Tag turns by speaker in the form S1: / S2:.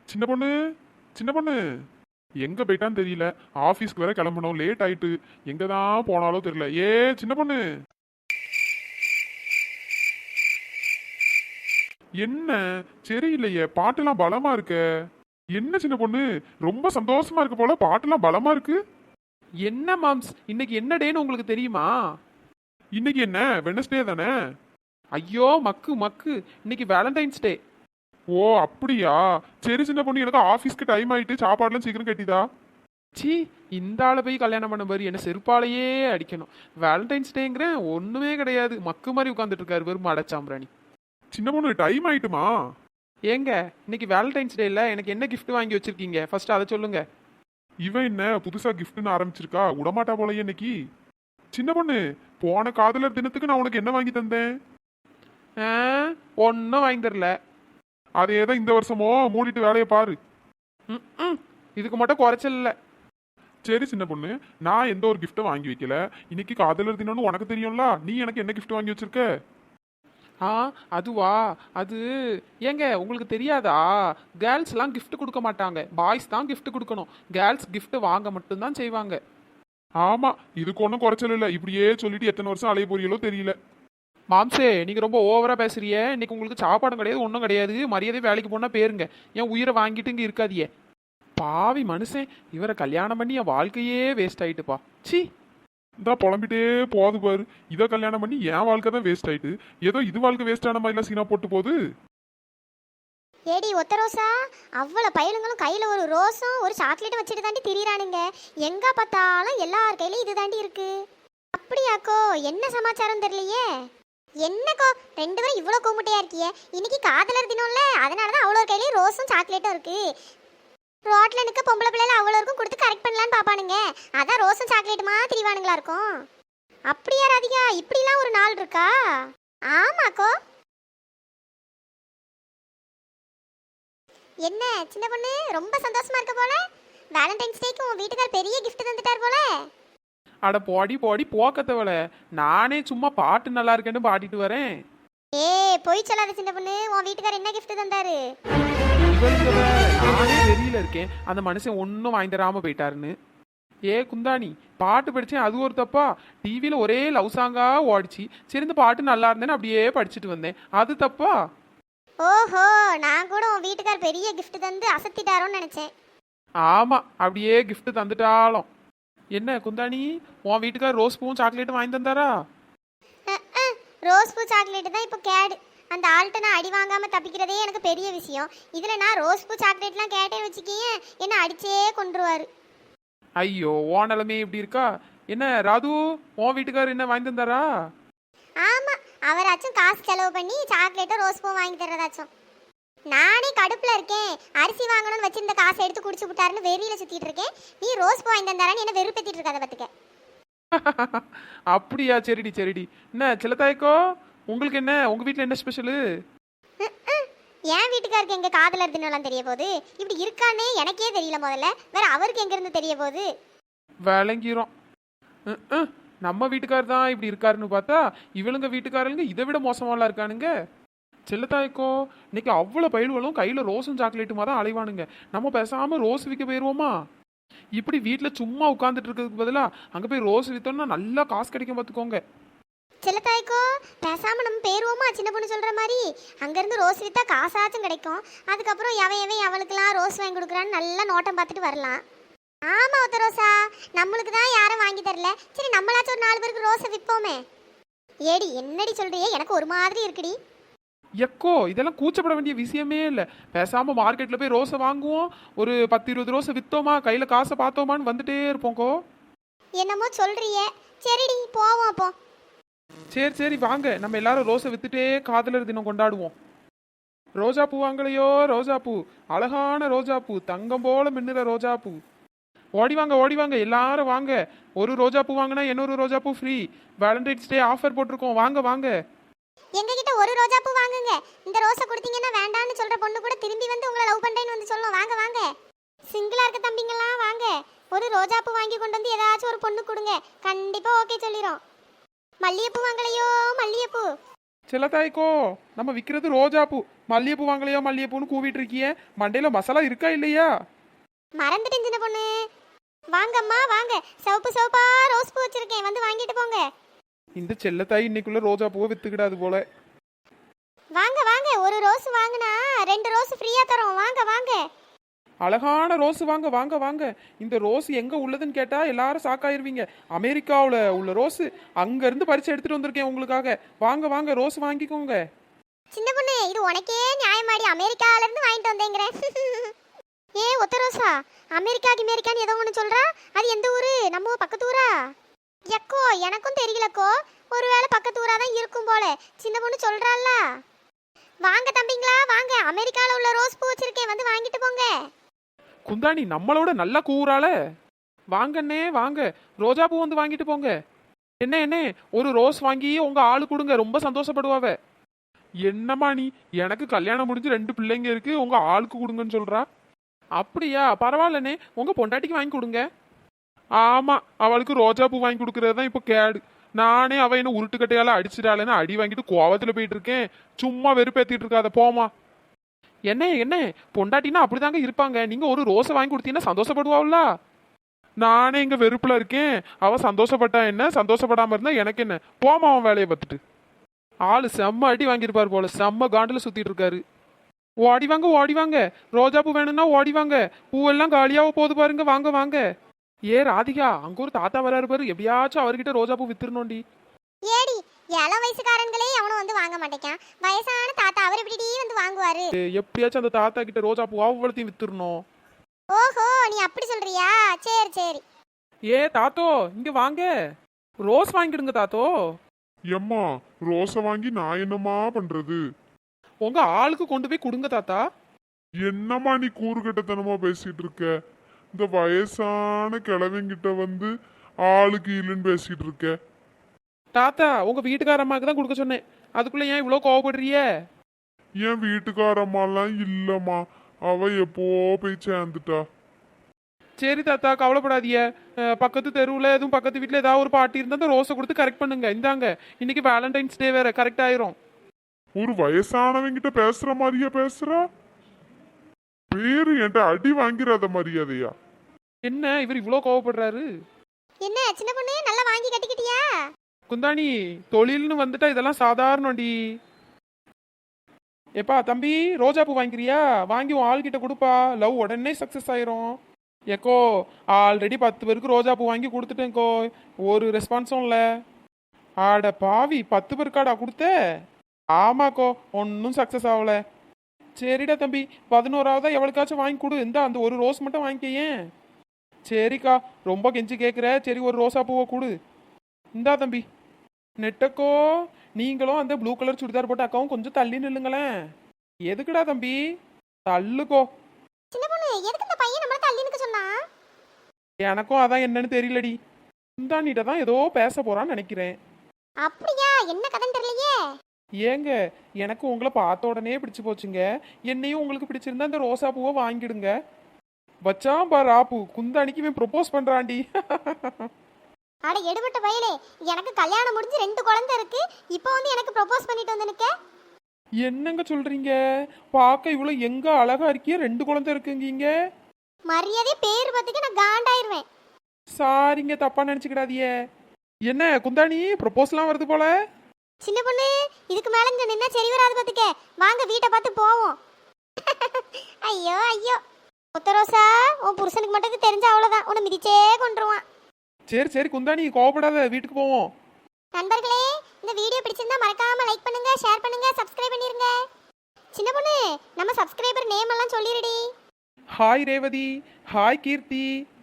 S1: சின்ன பொண்ணு, சின்ன பொண்ணு, எங்க போயிட்டான்னு தெரியல. ஆபீஸ்க்கு வேற கிளம்பணும், லேட் ஆயிட்டு. எங்க தான் போனாலும் தெரியல. சின்ன பொண்ணு, என்ன சரியில்லையே, பாட்டுலாம் பலமா இருக்க. என்ன சின்ன பொண்ணு, ரொம்ப சந்தோஷமா இருக்கு போல, பாட்டுலாம் பலமா இருக்கு.
S2: என்ன மாம்ஸ், இன்னைக்கு என்ன டேன்னு உங்களுக்கு தெரியுமா?
S1: இன்னைக்கு என்ன, வெனஸ்டே தானே?
S2: ஐயோ மக்கு மக்கு, இன்னைக்கு வேலண்டைன்ஸ் டே.
S1: ஓ அப்படியா? சரி சின்ன பொண்ணு, எனக்கு ஆபீஸ்க்கு டைம் ஆயிட்டு, சாப்பாடுலாம் சீக்கிரம் கட்டிதா.
S2: சி, இந்த ஆளை போய் கல்யாணம் பண்ண பாரு, என்ன செருப்பாலேயே அடிக்கணும். வேலண்டைன்ஸ் டேங்கிறேன், ஒன்றுமே கிடையாது, மக்கு மாதிரி உட்காந்துட்டு இருக்காரு வெறும் அடைச்சாம்பிராணி.
S1: சின்ன பொண்ணு, டைம் ஆயிட்டுமா?
S2: ஏங்க, இன்னைக்கு வேலண்டைன்ஸ் டேல எனக்கு என்ன gift வாங்கி வச்சிருக்கீங்க, ஃபர்ஸ்ட் அதை சொல்லுங்க.
S1: இவன் என்ன புதுசா கிஃப்ட்னு ஆரம்பிச்சிருக்கா, விடமாட்டா போலயே இன்னைக்கு. சின்ன பொண்ணு, போன காதலர் தினத்துக்கு நான் உனக்கு என்ன வாங்கி தந்தேன்?
S2: ஒன்றும் வாங்கி தரல.
S1: அதே தான் இந்த வருஷமோ, மூடிட்டு வேலையை பாரு.
S2: ம், இதுக்கு மட்டும் குறைச்சல் இல்லை.
S1: சரி சின்ன பொண்ணு, நான் எந்த ஒரு கிஃப்ட்டும் வாங்கி வைக்கல. இன்னைக்கு காதலர் தினம்னு உனக்கு தெரியும்ல, நீ எனக்கு என்ன கிஃப்ட் வாங்கி வச்சிருக்க?
S2: ஆ, அதுவா? அது ஏங்க உங்களுக்கு தெரியாதா? கேர்ள்ஸ்லாம் gift கொடுக்க மாட்டாங்க, பாய்ஸ் தான் gift கொடுக்கணும். கேர்ள்ஸ் gift வாங்க மட்டும்தான் செய்வாங்க.
S1: ஆமா, இதுக்கு ஒன்றும் குறைச்சல் இல்லை. இப்படியே சொல்லிட்டு எத்தனை வருஷம் அலைய போறீங்களோ தெரியல.
S2: மாம்சே, நீங்க ரொம்ப ஓவரா பேசுறிய. இன்னைக்கு உங்களுக்கு சாப்பாடும் கிடையாது, ஒன்றும் கிடையாது. மரியாதை வேலைக்கு போனா பேருங்க. என் உயிரை வாங்கிட்டு இங்க இருக்காதியே. பாவி மனுஷன், இவரை கல்யாணம் பண்ணி என் வாழ்க்கையே வேஸ்ட் ஆயிட்டுப்பா. சி.
S1: இந்த புலம்பிட்டே போது பாரு. இதை கல்யாணம் பண்ணி என் வாழ்க்கை தான் வேஸ்ட் ஆயிட்டு, ஏதோ இது வாழ்க்கை வேஸ்ட் ஆன மாதிரிலாம் சீனா போட்டு போகுது.
S3: ஏடி ஒத்த ரோசா, அவ்வளோ பயலுங்களும் கையில் ஒரு ரோஸும் ஒரு சாக்லேட்டும் வச்சுட்டு தாண்டி திரியிறானுங்க. எங்க பார்த்தாலும் எல்லார் கையிலும் இது தாண்டி இருக்கு. அப்படியாக்கோ, என்ன சமாச்சாரம் தெரியலையே. என்னக்கோ ரெண்டு பேரும் இவ்வளோ கும்பிட்டையா இருக்கியே. இன்னைக்கு காதலர் தினம்ல, அதனால தான் அவ்வளோ கையிலையும் ரோஸும் சாக்லேட்டும் இருக்கு. ரோட்ல நிற்க பொம்பளை பிள்ளைல அவ்வளோ இருக்கும் கொடுத்து கரெக்ட் பண்ணலான்னு பார்ப்பானுங்க. அதான் ரோஸும் சாக்லேட்டுமா திரிவானுங்களா இருக்கும். அப்படியா ராதிகா, இப்படிலாம் ஒரு நாள் இருக்கா? ஆமாக்கோ. என்ன சின்ன பொண்ணு, ரொம்ப சந்தோஷமா இருக்க போல. வேலண்டைன்ஸ் டேக்கு உன் வீட்டுக்கார் பெரிய gift தந்துட்டார் போல.
S2: அட போடி போடி போக்கத்தவள, நானே சும்மா பாட்டு நல்லா இருக்கேன்னு பாடிட்டு வரேன்.
S3: போய் சொல்லாத சின்ன பொண்ணு, உன் வீட்டுக்கார் என்ன gift தந்தாரு?
S2: இவளுங்க வேற, நானே வெளியில இருக்கேன், அந்த மனுஷன் ஒன்றும் வாங்கி தராம போயிட்டாருன்னு. குந்தாணி, பாட்டு படிச்சேன், அது ஒரு தப்பா? டிவியில ஒரே லவ் சாங்கா ஓடிச்சு. சரி, இந்த பாட்டு நல்லா இருந்தேன்னு அப்படியே படிச்சுட்டு வந்தேன், அது தப்பா?
S3: ஓஹோ, நான் கூட உன் வீட்டுக்கார் பெரிய gift தந்து அசத்திட்டாரோன்னு நினைச்சேன்.
S2: ஆமா, அப்படியே gift தந்துட்டாலும். என்ன குந்தாணி, உன் வீட்டுக்கார் ரோஸ் பூவும் சாக்லேட்டும் வாங்கி தந்தாரா?
S3: ரோஸ் பூ சாக்லேட் தான் இப்போ கேடு. அந்த ஆள்கிட்ட நான் அடி வாங்காம தப்பிக்கிறதே எனக்கு பெரிய விஷயம். இதுல நான் ரோஸ் பூ சாக்லேட்லாம் கேட்டேன்னு வச்சுக்கியே, என்ன அடிச்சே கொண்டுருவாரு.
S2: ஐயோ, உன் நிலைமை இப்படி இருக்கா? என்ன ராது, உன் வீட்டுக்கார் என்ன வாங்கி தந்தாரா?
S3: ஆமா, அவராச்சும் காசு செலவு பண்ணி சாக்லேட்டும் ரோஸ் பூ வாங்கி தர்றதாச்சும். நானே கடுப்புல இருக்கேன், அரிசி வாங்கணும்னு வச்சிருந்த காசை எடுத்து குடிச்சு விட்டாருன்னு வெறியில சுத்திட்டு இருக்கேன். நீ ரோஸ் பூ வாங்கி தந்தாரான்னு என்ன வெறுப்பேத்திட்டு இருக்காத பத்துக்க.
S2: அப்படியா? சரிடி சரிடி. என்ன சிலத்தாய்க்கோ, உங்களுக்கு என்ன, உங்க வீட்டில் என்ன ஸ்பெஷலு?
S3: என் வீட்டுக்காருக்கு எங்க காதலர் தினம்லாம் தெரிய போகுது? இப்படி இருக்கானே எனக்கே தெரியல. முதல்ல வேற அவருக்கு எங்க இருந்து தெரிய போகுது?
S2: விளங்கிரும். நம்ம வீட்டுக்கார் தான் இப்படி இருக்காருன்னு பார்த்தா, இவளுங்க வீட்டுக்காரங்க இதை விட மோசமாலாம் இருக்கானுங்க. செல்லத்தாய்க்கோ, இன்னைக்கு அவ்வளோ பயில்களும் கையில் ரோஸும் சாக்லேட்டுமா தான் அலைவானுங்க. நம்ம பேசாமல் ரோஸ் விற்க போயிடுவோமா? இப்படி வீட்டில் சும்மா உட்காந்துட்டு இருக்கிறதுக்கு பதிலாக அங்கே போய் ரோஸ் விற்றோம்னா நல்லா காசு கிடைக்கும், பார்த்துக்கோங்க.
S3: செல்லத்தாய்க்கோ, பேசாம நம்ம பேருவோமா சின்ன பொண்ணு சொல்ற மாதிரி? அங்கிருந்து ரோஸ் வித்தா காசாச்சும் கிடைக்கும். அதுக்கப்புறம் எவன் அவளுக்கெல்லாம் ரோஸ் வாங்கி கொடுக்குறான்னு நல்லா நோட்டம் பார்த்துட்டு வரலாம். ஆமா ஒத்த ரோசா, நம்மளுக்கு தான் யாரும் வாங்கி தரல. சரி, நம்மளாச்சும் ஒரு 4 பேருக்கு ரோஸை விற்போமே. ஏடி என்னடி சொல்றியே, எனக்கு ஒரு மாதிரி இருக்குடி.
S2: எக்கோ, இதெல்லாம் கூச்சப்பட வேண்டிய விஷயமே இல்லை. பேசாமல் மார்க்கெட்டில் போய் ரோஸை வாங்குவோம், ஒரு 10-20 ரோஸை விற்றோமா, கையில் காசை பார்த்தோமான்னு வந்துட்டே இருப்போங்கோ.
S3: என்னமோ சொல்றியே, சரிடி போவோம் அப்போ.
S2: சரி சரி வாங்க, நம்ம எல்லாரும் ரோஸை வித்துட்டே காதலர் தினம் கொண்டாடுவோம். ரோஜா பூ வாங்கலையோ, ரோஜா பூ, அழகான ரோஜா பூ, தங்கம் போல மின்னுற ரோஜா பூ. ஓடி வாங்க எல்லாரும் வாங்க. ஒரு ரோஜா பூ வாங்கினா இன்னொரு ரோஜா பூ ஃப்ரீ. வேலண்டைன்ஸ் டே ஆஃபர் போட்டிருக்கோம், வாங்க வாங்க.
S3: எங்க கிட்ட ஒரு ரோஜா பூ வாங்குங்க. இந்த ரோஸை கொடுத்தீங்கன்னா வேண்டான்னு சொல்ற பொண்ணு கூட திரும்பி வந்து உங்களை லவ் பண்றேன்னு வந்து சொல்லும். வாங்க வாங்க, சிங்கிளா இருக்க தம்பிங்கெல்லாம் வாங்க. ஒரு ரோஜா பூ வாங்கி கொண்டு வந்து ஏதாச்சும் ஒரு பொண்ணு கொடுங்க, கண்டிப்பா ஓகே சொல்லிரும். மல்லிகைப்பூ வாங்கலையோ, மல்லிகைப்பூ.
S2: செல்லத்தாய்க்கோ, நம்ம விற்கிறது ரோஜா பூ, மல்லிகைப்பூ வாங்கலையா மல்லிகைப்பூன்னு கூவிட்டு இருக்கிய, மண்டையில மசாலா இருக்கா இல்லையா?
S3: மறந்துட்டேன் சின்ன பொண்ணு. வாங்கம்மா வாங்க, சிவப்பு சிவப்பா ரோஸ் பூ வச்சிருக்கேன், வந்து வாங்கிட்டு போங்க.
S2: இந்த செல்லத்தாய் இன்னைக்குள்ள ரோஜா பூவை வித்துக்கிடாது போல.
S3: வாங்க வாங்க, ஒரு ரோஸ் வாங்கினா 2 ரோஸ் ஃப்ரீயா தரோம், வாங்க வாங்க.
S2: அழகான ரோஸ் வாங்க வாங்க வாங்க. இந்த ரோஸ் எங்க உள்ளதுன்னு கேட்டா எல்லாரும் சாக்காயிருவீங்க. அமெரிக்காவில் உள்ள ரோஸ், அங்க இருந்து பறிச்சு எடுத்துட்டு வந்திருக்கேன் உங்களுக்காக. வாங்க வாங்க ரோஸ் வாங்கிக்கோங்க.
S3: சின்ன பொண்ணு, இது உனக்கே நியாயமாடி, அமெரிக்கால இருந்து வாங்கிட்டு வந்தேங்கிறேன். ஏ ஒத்த ரோசா, அமெரிக்கான்னு ஏதோ ஒன்று சொல்றா, அது எந்த ஊரு? நம்ம பக்கத்து ஊரா? எக்கோ எனக்கும் தெரியலக்கோ, ஒருவேளை பக்கத்து ஊரா தான் இருக்கும் போல. சின்ன பொண்ணு சொல்றாள்ல. வாங்க தம்பிங்களா வாங்க, அமெரிக்கால உள்ள ரோஸ் பூ வச்சிருக்கேன், வந்து வாங்கிட்டு போங்க.
S2: குந்தாணி நம்மளோட நல்லா கூறால. வாங்கண்ணே வாங்க, ரோஜா பூ வந்து வாங்கிட்டு போங்க. என்ன ஒரு ரோஸ் வாங்கி உங்க ஆளு கொடுங்க, ரொம்ப சந்தோஷப்படுவாவ.
S1: என்னம்மா நீ, எனக்கு கல்யாணம் முடிஞ்சு 2 பிள்ளைங்க இருக்கு, உங்க ஆளுக்கு கொடுங்கன்னு சொல்றா.
S2: அப்படியா, பரவாயில்லண்ணே, உங்க பொண்டாட்டிக்கு வாங்கி கொடுங்க.
S1: ஆமா, அவளுக்கு ரோஜா பூ வாங்கி கொடுக்கறது தான் இப்போ கேடு. நானே அவ என்ன உருட்டுக்கட்டையால அடிச்சிட்டாளேன்னு அடி வாங்கிட்டு கோவத்துல போயிட்டு இருக்கேன். சும்மா வெறுப்பேத்திட்டு இருக்காத, போமா.
S2: என்ன பொண்டாட்டினா அப்படிதாங்க இருப்பாங்க. நீங்க ஒரு ரோஸை வாங்கி கொடுத்தீங்கன்னா சந்தோஷப்படுவாள்ல.
S1: நானே இங்க வெறுப்புல இருக்கேன், அவ சந்தோஷப்பட்டா என்ன, சந்தோஷப்படாம இருந்தா எனக்கு என்ன, போமா அவன் வேலையை பார்த்துட்டு.
S2: ஆளு செம்ம அடி வாங்கியிருப்பாரு போல, செம்ம காண்டில் சுத்திட்டு இருக்காரு. ஓடி வாங்க, ரோஜா பூ வேணும்னா ஓடி வாங்க, பூவெல்லாம் காலியாக போகுது பாருங்க, வாங்க வாங்க. ஏ ராதிகா, அங்க ஒரு தாத்தா வராரு பாரு, எப்படியாச்சும் அவர்கிட்ட ரோஜா பூ வித்துருணும்டி.
S3: ஏடி, இள வயசுக்காரங்களே அவனும் வந்து வாங்க மாட்டேக்கான், வயசான தாத்தா அவர் எப்படி வந்து வாங்குவாரு?
S2: எப்படியாச்சும் அந்த தாத்தா கிட்ட ரோஜா பூ அவ்வளோத்தையும் வித்துடணும்.
S3: ஓஹோ, நீ அப்படி சொல்றியா? சரி சரி.
S2: ஏ தாத்தோ, இங்க வாங்க, ரோஸ் வாங்கிடுங்க தாத்தோ.
S1: எம்மா, ரோஸை வாங்கி நான் என்னம்மா பண்றது?
S2: உங்க ஆளுக்கு கொண்டு போய் கொடுங்க தாத்தா.
S1: என்னம்மா நீ கூறுகட்டத்தனமா பேசிட்டு இருக்க? இந்த வயசான கிழவங்கிட்ட வந்து ஆளுக்கு இல்லைன்னு பேசிட்டு இருக்க.
S2: தாத்தா, உங்க வீட்டுக்காரம்மாக்கு தான் கொடுக்க சொன்னேன், அதுக்குள்ள ஏன் இவ்வளோ கோவப்படுறிய?
S1: என் வீட்டுக்காரம்மாலாம் இல்லம்மா, அவ எப்போ போய் சேர்ந்துட்டா.
S2: சரி தாத்தா, கவலைப்படாதீங்க. பக்கத்து தெருவில் எதுவும் பக்கத்து வீட்டில் ஏதாவது ஒரு பாட்டி இருந்தால் அந்த ரோஸை கொடுத்து கரெக்ட் பண்ணுங்க. இந்தாங்க, இன்னைக்கு வேலண்டைன்ஸ் டே வேற, கரெக்ட் ஆயிரும்.
S1: ஒரு வயசானவங்கிட்ட பேசுற மாதிரியா பேசுறா? பேரு என்கிட்ட அடி வாங்கிறாத மரியாதையா?
S2: என்ன இவர் இவ்வளோ கோவப்படுறாரு?
S3: என்ன சின்ன பொண்ணு, நல்லா வாங்கி கட்டிக்கிட்டியா?
S2: குந்தாணி, தொழில்னு வந்துட்டா இதெல்லாம் சாதாரணடி. எப்பா தம்பி, ரோஜா பூ வாங்கிக்கிறியா? வாங்கி உன் ஆள்கிட்ட கொடுப்பா, லவ் உடனே சக்ஸஸ் ஆயிரும். ஏக்கோ, ஆல்ரெடி 10 பேருக்கு ரோஜா பூ வாங்கி கொடுத்துட்டேன்க்கோ, ஒரு ரெஸ்பான்ஸும் இல்லை. ஆட பாவி, 10 பேருக்காடா கொடுத்த? ஆமாக்கோ, ஒன்றும் சக்ஸஸ் ஆகல. சரிடா தம்பி, 11ஆவதா எவளுக்காச்சும் வாங்கி கொடு, இந்த அந்த ஒரு ரோஸ் மட்டும் வாங்கிக்கேன். சரிக்கா, ரொம்ப கெஞ்சி கேட்குற, சரி ஒரு ரோசா பூவை கொடு. இந்தா தம்பி. நெட்டக்கோ, நீங்களும் அந்த ப்ளூ கலர் சுடிதார் போட்ட அக்காவும் கொஞ்சம் தள்ளி நில்லுங்களேன். எதுக்குடா தம்பி? தள்ளுக்கோ.
S3: சின்ன பொண்ணு, எதுக்கு இந்த பையன் நம்மள தள்ளி நிக்க சொன்னா?
S2: எனக்கும் அதான் என்னன்னு தெரியலடி. குந்தாணிட்ட தான் ஏதோ பேச போறான்னு நினைக்கிறேன்.
S3: அப்படியா? என்ன கதைன்னு தெரியலையே.
S2: ஏங்க, எனக்கு உங்களை பார்த்த உடனே பிடிச்சு போச்சுங்க. என்னையும் உங்களுக்கு பிடிச்சிருந்தா இந்த ரோசா பூவை வாங்கிடுங்க. வச்சான் பாரு ஆப்பு, குந்தாணிக்கு இவன் ப்ரொபோஸ் பண்றான்டி.
S3: அட எடுபட்ட பையலே, எனக்கு கல்யாணம் முடிஞ்சு 2 குழந்தை இருக்கு, இப்போ வந்து எனக்கு ப்ரொபோஸ் பண்ணிட்டு வந்து நிக்க?
S2: என்னங்க சொல்றீங்க? பார்க்க இவ்வளோ எங்க அழகா இருக்கிய, 2 குழந்தை இருக்குங்கீங்க.
S3: மரியாதை பேர் பத்துக்கு நான் காண்டாயிருவேன்.
S2: சாரிங்க, தப்பா நினைச்சுக்கிடாதியே. என்ன குந்தாணி, ப்ரொபோஸ்லாம் வருது போல.
S3: சின்ன பொண்ணு, இதுக்கு மேல இங்க நின்னா சரி வராது பாத்துக்க, வாங்க வீட்டை பார்த்து போவோம். ஐயோ ஐயோ, முத்த ரோசா, உன் புருஷனுக்கு மட்டும் தெரிஞ்ச அவ்வளவுதான், உன்னை மிதிச்சே கொண்டுருவான்.
S2: சரி சரி குந்தாணி, கோவப்படாத, வீட்டுக்கு போவோம்.
S3: நண்பர்களே, இந்த வீடியோ பிடிச்சிருந்தா மறக்காம லைக் பண்ணுங்க, ஷேர் பண்ணுங்க, சப்ஸ்கிரைப் பண்ணிருங்க. சின்ன பொண்ணு, நம்ம சப்ஸ்கிரைபர் நேம் எல்லாம் சொல்லிருடி.
S2: ஹாய் ரேவதி, ஹாய் கீர்த்தி.